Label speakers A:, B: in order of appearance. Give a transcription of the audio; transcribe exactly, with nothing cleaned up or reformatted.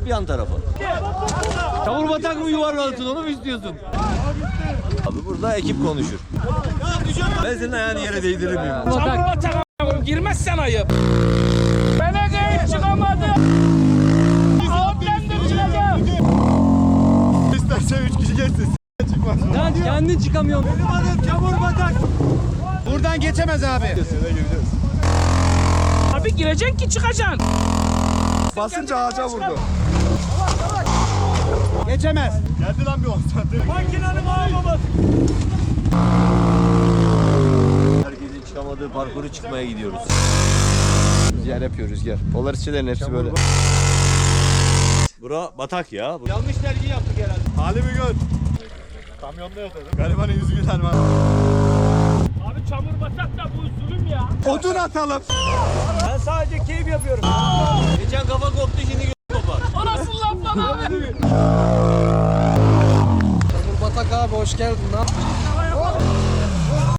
A: hop yan tarafa. Çamur batak mı yuvarlansın onu mu istiyorsun? Abi burada ekip konuşur. Ben senin ayağını yere değdirir miyim?
B: Çamur batak a**ım girmezsen ayıp. Belediye çıkamadı. Ablemdir çıkacağım.
C: İstersen üç kişi geçsin. Çıkmaz.
A: Lan kendin çıkamıyorsun.
C: Benim adım çamur batak. Buradan geçemez abi.
B: Abi gireceksin ki çıkacaksın.
C: Basınca ağaca vurdu. Geçemez. Geldi lan bir on saat. Makinenin ağababası.
A: Herkesin çıkamadığı parkuru çıkmaya gidiyoruz.
C: Rüzgar yapıyor rüzgar. Polarisçilerin hepsi böyle.
A: Bura batak ya.
C: Yanlış tercih yaptık herhalde. Halimi gör. Kamyonda yatırdım. Garibanın yüzü güler mi?
B: Abi çamur batak da bu zulüm ya.
C: Odun atalım.
A: Ben sadece keyif yapıyorum. Geçen kafa koptu şimdi gö kopar.
B: O nasıl laf lan abi?
C: Çamur batak abi hoş geldin lan.